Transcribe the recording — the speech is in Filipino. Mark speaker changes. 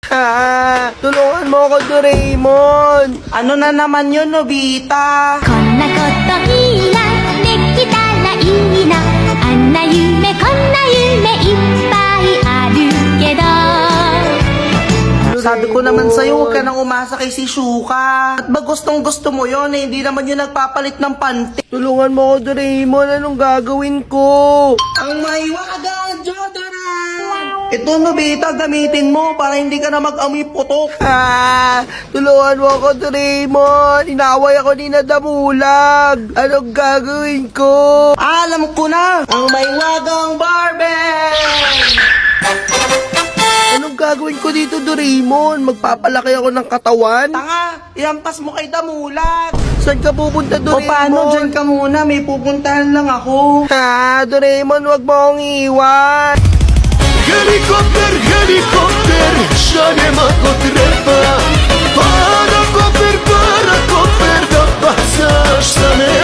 Speaker 1: Ha, tulungan mo ako, Doraemon. Ano na naman yun, Nobita?
Speaker 2: こんなこといいなできたらいいなあんな夢こんな夢いっぱいあるけど
Speaker 1: Sabi ko naman sa'yo, huwag ka nang umasa kay si Shuka. At ba gustong gusto mo yon eh, hindi naman yun nagpapalit ng panty. Tulungan mo ako, Doraemon. Anong gagawin ko? Ang maiwagang Jodora! Ito, Nobita, gamitin mo para hindi ka na mag-amoy putok. Tulungan mo ako, Doraemon. Inaway ako ni Nadamulag. Anong gagawin ko? Alam ko na! Ang maiwagang Barbie! Anong gagawin ko dito, Doraemon? Magpapalaki ako ng katawan? Tanga! Iampas mo kay Damulag! Saan ka pupunta, Doraemon? O paano? Diyan ka muna. May pupuntahan lang ako. Ha? Doraemon, wag mo akong iwan.
Speaker 3: Helikopter, helikopter, šaljem ako treba. Para koper, da bacaš sa me.